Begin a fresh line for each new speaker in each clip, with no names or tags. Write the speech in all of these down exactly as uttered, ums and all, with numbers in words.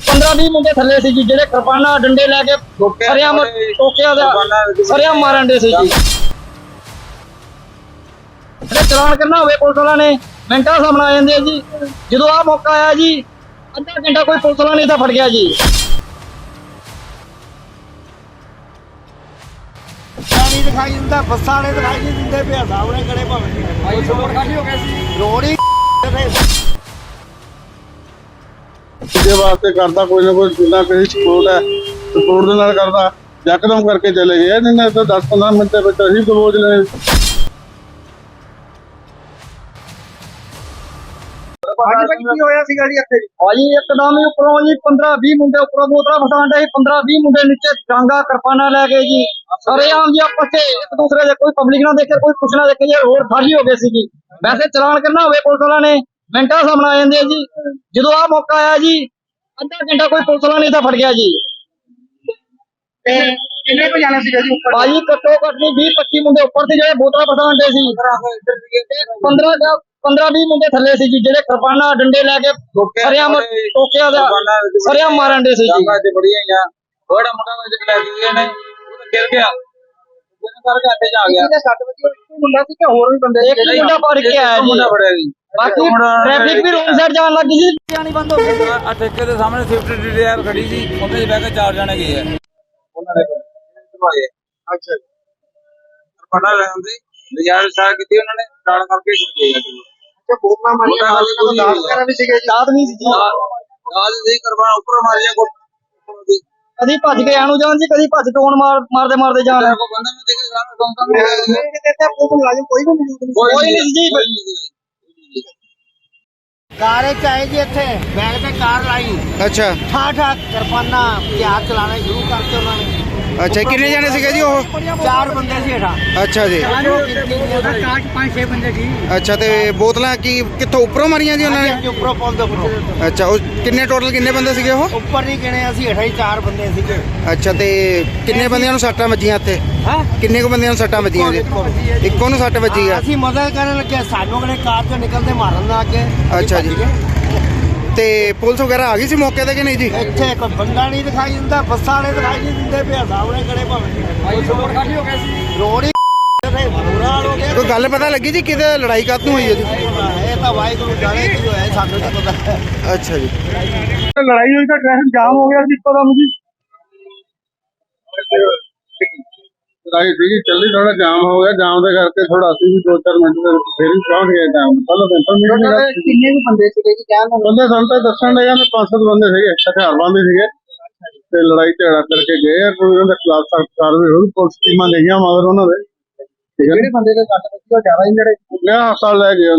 पंद्रह बीस मुंडे थले सी जी जेडे किरपाना डंडे लेके सरिया टोकिया सरिया मारन डे सी जी। चलान करना होवे पुलिस वाला ने मिनटा सामने आ जाते जी। जो आ मौका आया जी अद्धा घंटा कोई पुलिस वाला नहीं था फट गया जी।
नहीं दिखाई दिता बसा ने दिखाई नहीं दिंदे पे सामने खड़े भावे रोड खाली हो गया सी रोड ही
दे वास्ते करता कोई ना कोई जिला कहीं सपोर्ट है सपोर्ट दे नाल करदा यकदम करके चले गए नहीं तो दस पंद्रह मिनट दे विच असीं दबोच ले।
आज भाई की होया सीगा जी ਇੱਥੇ
भाई एकदम ही उपरों जी पंद्रह बीस मुंडे उपरों बोतला फसान डे पंद्रह बीस मुंडे नीचे डांगा किरपाना ले गए जी। सरेआम जी आपस से एक दूसरे से कोई पब्लिक ना देखे कोई कुछ ना देखे जी रोड खाली हो गई सी जी। वैसे चलान करना होवे पुलिस वाला ने मिनटा सामने आ जाते जी। जो आ मौका आया जी अद्धा घंटा कोई पुलिस वाला नहीं था फट गया जी।
किन्ने को जाना सीगा जी ऊपर
भाई घट्टो घट नहीं बीस पच्चीस मुंडे ऊपर से जो बोतला फसान डे सी पंद्रह पंद्रह बीस मुंडे थले सी जी जेडे किरपाना डंडे लेके सरिया टोकिया सरिया मारन डे सी जी।
बड़िया बड़ा मोटा ले गए ने वो गिर गया करके आते जा गया
ਇਹਦੇ ਸੱਤ ਵਜੇ ਮੁੰਡਾ ਸੀ ਕਿ ਹੋਰ ਵੀ ਬੰਦੇ
एक ही मुंडा फड़ के आया जी।
मुंडा फड़ਿਆ जी।
बाकी ट्रैफिक भी रोड साइड जान लग गई जी जानी बंद हो गई।
ਆ ਠੇਕੇ ਦੇ ਸਾਹਮਣੇ ਸਵਿਫਟ ਡਿਜ਼ਾਇਰ ਖੜੀ ਸੀ ਉਹਦੇ 'ਚ ਬਹਿ ਕੇ ਚਾਰ ਜਣੇ ਗਏ ਆ
ਉਹਨਾਂ ਨੇ ਦਵਾਏ
ਅੱਛਾ
ਪਤਾ ਲੈਂਦੇ ਡਿਜ਼ਾਇਰ ਸਾਹ ਕੀਤੀ ਉਹਨਾਂ ਨੇ ਕਾਲ ਕਰਕੇ ਗਏ ਆ ਜੀ।
ਤੇ ਬੋਤਲਾਂ ਮਾਰੀਆਂ ਦਾਸ ਵਗੈਰਾ ਵੀ ਸੀਗੇ ਜੀ
साथ नहीं सी जी
ਨਾਲ ਦੇ ਕਰਵਾ ਉੱਪਰ ਮਾਰੀਆਂ ਕੋ
कदी भज के आनू जान जी कदी भज टोन मार मारदे मारदे जान
को बंदा ने देखे सारा कौन कौन
कहते हैं पुलिस मुलाजिम कोई भी मौजूद नहीं
कोई नहीं जी।
ਕਾਰ ਚ ਆਏ ਜੀ ਇੱਥੇ ਬੈਗ ਤੇ ਕਾਰ ਲਾਈ
ਅੱਛਾ
ਠਾ ਠਾ ਕਿਰਪਾਨਾ ਹਥਿਆਰ ਚਲਾਣੇ ਸ਼ੁਰੂ ਕਰਤੇ ਉਹਨਾਂ ਨੇ।
ਅੱਛਾ ਕਿੰਨੇ ਜਾਣੇ ਸੀਗੇ ਜੀ ਉਹ
ਚਾਰ ਬੰਦੇ ਸੀ ਹੇਠਾਂ
ਅੱਛਾ ਜੀ
ਕਾਰ ਚ ਪੰਜ ਛੇ ਬੰਦੇ ਸੀ
ਅੱਛਾ ਤੇ ਬੋਤਲਾਂ ਕੀ ਕਿੱਥੋਂ ਉੱਪਰੋਂ ਮਾਰੀਆਂ ਜੀ ਉਹਨਾਂ ਨੇ
ਉੱਪਰੋਂ ਪੁੱਲ ਦੇ ਉੱਪਰੋਂ
ਅੱਛਾ ਉਹ ਕਿੰਨੇ ਟੋਟਲ ਕਿੰਨੇ ਬੰਦੇ ਸੀਗੇ ਉਹ
ਉੱਪਰ ਨਹੀਂ ਗਿਣੇ ਅਸੀਂ ਹੇਠਾਂ ਹੀ ਚਾਰ ਬੰਦੇ ਸੀਗੇ।
ਅੱਛਾ ਤੇ ਕਿੰਨੇ ਬੰਦਿਆਂ ਨੂੰ ਸੱਟਾਂ ਵੱਜੀਆਂ ਇੱਥੇ
ਹਾਂ
ਕਿੰਨੇ ਕੁ ਬੰਦਿਆਂ ਨੂੰ ਸੱਟਾਂ ਵੱਜੀਆਂ ਜੀ ਇੱਕੋ ਨੂੰ ਸੱਟ ਵੱਜੀ ਆ
ਅਸੀਂ ਮਦਦ ਕਰਨ ਲੱਗੇ ਸਾਨੂੰ ਅਗਲੇ ਕਾਰ ਚੋਂ ਨਿਕਲਦੇ ਮਾਰਨ ਲੱਗ ਗਏ।
ਅੱਛਾ ਜੀ ਤੇ ਪੁਲਿਸ ਵਗੈਰਾ ਆ ਗਈ ਸੀ ਮੌਕੇ ਤੇ ਕਿ ਨਹੀਂ ਜੀ
ਇੱਥੇ ਕੋਈ ਬੰਦਾ ਨਹੀਂ ਦਿਖਾਈ ਦਿੰਦਾ ਬੱਸਾਂ ਨੇ ਦਿਖਾਈ ਨਹੀਂ ਦਿੰਦੇ ਪਿਆ ਸਾਹਮਣੇ ਖੜੇ ਭਾਵੇਂ ਰੋਡ ਖਾਲੀ ਹੋ ਗਿਆ ਸੀ ਰੋਡ ਹੀ ਬੁਰਾ ਹੋ ਗਿਆ।
ਕੋਈ ਗੱਲ ਪਤਾ ਲੱਗੀ ਜੀ ਕਿਤੇ ਲੜਾਈ ਕਾਹਤੋਂ ਹੋਈ ਹੈ ਜੀ
ਇਹ ਤਾਂ ਵਾਹਿਗੁਰੂ ਜਾਣੇ ਕੀ ਹੋਇਆ ਸਾਨੂੰ ਤਾਂ ਪਤਾ।
ਅੱਛਾ ਜੀ
ਲੜਾਈ ਹੋਈ ਤਾਂ ਟ੍ਰੈਫਿਕ ਜਾਮ ਹੋ ਗਿਆ ਸੀ ਇੱਕਦਮ ਜੀ। ਲੜਾਈ ਸੀਗੀ ਚੱਲੀ ਥੋੜਾ ਜਾਮ ਹੋ ਗਿਆ ਜਾਮ ਦੇ ਕਰਕੇ ਥੋੜਾ ਅਸੀਂ ਵੀ ਦੋ ਚਾਰ ਮਿੰਟ ਦੇ ਵਿੱਚ ਫੇਰ ਹੀ ਪਹੁੰਚ ਗਏ ਟਾਈਮ ਪਹਿਲਾਂ ਤਾਂ ਇਨਫੋਰਮੇਸ਼ਨ
ਕਿੰਨੇ ਵੀ ਬੰਦੇ ਸੀਗੇ ਜੀ ਕਹਿਣ ਨੂੰ
ਬੰਦੇ ਸਾਨੂੰ ਤਾਂ ਦੱਸਣ ਲੱਗਾ ਨੇ ਪੰਜ ਸੱਤ ਬੰਦੇ ਸੀਗੇ ਹਥਿਆਰਬੰਦ ਹੀ ਸੀਗੇ ਤੇ ਲੜਾਈ ਝਗੜਾ ਕਰਕੇ ਗਏ ਆ ਕੋਈ ਉਹਨਾਂ ਦੇ ਖਿਲਾਫ ਸਖਤ ਕਾਰਵਾਈ ਹੋਈ ਪੁਲਿਸ ਟੀਮਾਂ ਗਈਆਂ ਮਗਰ ਉਹਨਾਂ ਦੇ ਠੀਕ ਹੈ
ਜਿਹੜੇ ਬੰਦੇ ਦੇ ਸੱਟ ਵੱਜੀ ਉਹ ਜ਼ਿਆਦਾ ਹੀ ਜਿਹੜੇ
ਲਿਆ ਹਸਪਤਾਲ ਲੈ ਗਏ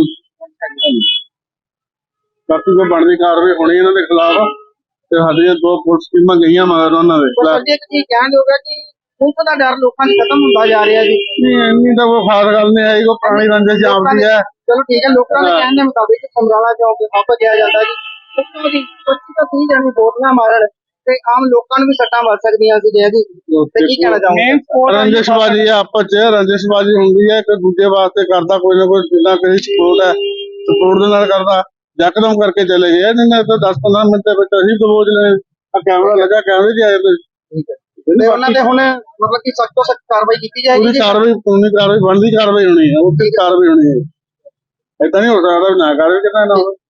ਬਾਕੀ ਕੋਈ ਬਣਦੀ ਕਾਰਵਾਈ ਹੋਣੀ ਇਹਨਾਂ ਦੇ ਖਿਲਾਫ ਤੇ ਸਾਡੀਆਂ ਦੋ ਪੁਲਿਸ ਟੀਮਾਂ ਗਈਆਂ ਮਗਰ ਉਹਨਾਂ ਦੇ ਖਿਲਾਫ।
ਇੱਕ ਚੀਜ਼ ਕਹਿਣ ਹੋਗਾ ਕਿ ਪੁਲਿਸ ਦਾ ਡਰ ਲੋਕਾਂ ਨੂੰ ਖਤਮ ਹੁੰਦਾ ਜਾ ਰਿਹਾ ਜੀ।
ਨਹੀਂ ਇੰਨੀ ਤਾਂ ਕੋਈ ਖਾਸ ਗੱਲ ਨਹੀਂ ਆਈ ਕੋਈ ਪੁਰਾਣੀ ਰੰਜਿਸ਼ ਜਾਪਦੀ ਹੈ।
ਚਲੋ ਠੀਕ ਹੈ ਲੋਕਾਂ ਦੇ ਕਹਿਣ ਦੇ ਮੁਤਾਬਿਕ ਸਮਰਾਲਾ ਚੌਕ ਤੇ ਸਭ ਗਿਆ ਜਾਂਦਾ ਜੀ ਉੱਥੋਂ ਦੀ ਪੱਚੀ ਤੋਂ ਤੀਹ ਜਣੇ ਬੋਤਲਾਂ ਮਾਰਨ ਤੇ ਆਮ ਲੋਕਾਂ ਨੂੰ ਵੀ ਸੱਟਾਂ ਵੱਜ ਸਕਦੀਆਂ ਸੀ ਜੀ ਇਹਦੀ ਤੇ ਕੀ ਕਹਿਣਾ ਚਾਹੋਗੇ।
ਰੰਜਿਸ਼ਬਾਜੀ ਹੈ ਆਪਸ ਚ ਰੰਜਿਸ਼ਬਾਜੀ ਹੁੰਦੀ ਹੈ ਇੱਕ ਦੂਜੇ ਵਾਸਤੇ ਕਰਦਾ ਕੋਈ ਨਾ ਕੋਈ ਜਿੱਦਾਂ ਕਹੀ ਸਪੋਰਟ ਹੈ ਸਪੋਰਟ ਦੇ ਨਾਲ ਕਰਦਾ ਯਕਦਮ ਕਰਕੇ ਚਲੇ ਗਏ ਨਹੀਂ ਤਾਂ ਦਸ ਪੰਦਰਾਂ ਮਿੰਟ ਦੇ ਵਿੱਚ ਅਸੀਂ ਦਬੋਚ ਲੈ ਆ ਕੈਮਰਾ ਲੱਗਾ ਕੈਮਰੇ 'ਚ ਆਏ
ਠੀਕ ਹੈ ਤੇ ਉਹਨਾਂ ਦੇ ਹੁਣ ਮਤਲਬ ਕਿ ਸਖਤ ਤੋਂ ਸਖਤ ਕਾਰਵਾਈ ਕੀਤੀ ਜਾਏਗੀ
ਪੂਰੀ ਕਾਰਵਾਈ ਕਾਨੂੰਨੀ ਕਾਰਵਾਈ ਬਣਦੀ ਕਾਰਵਾਈ ਹੋਣੀ ਹੈ ਉਹ ਤੇ ਕਾਰਵਾਈ ਹੋਣੀ ਹੈ ਏਦਾਂ ਨਹੀਂ ਹੋ ਸਕਦਾ ਨਾ ਕਾਰਵਾਈ ਕਿਤਾ ਨਾ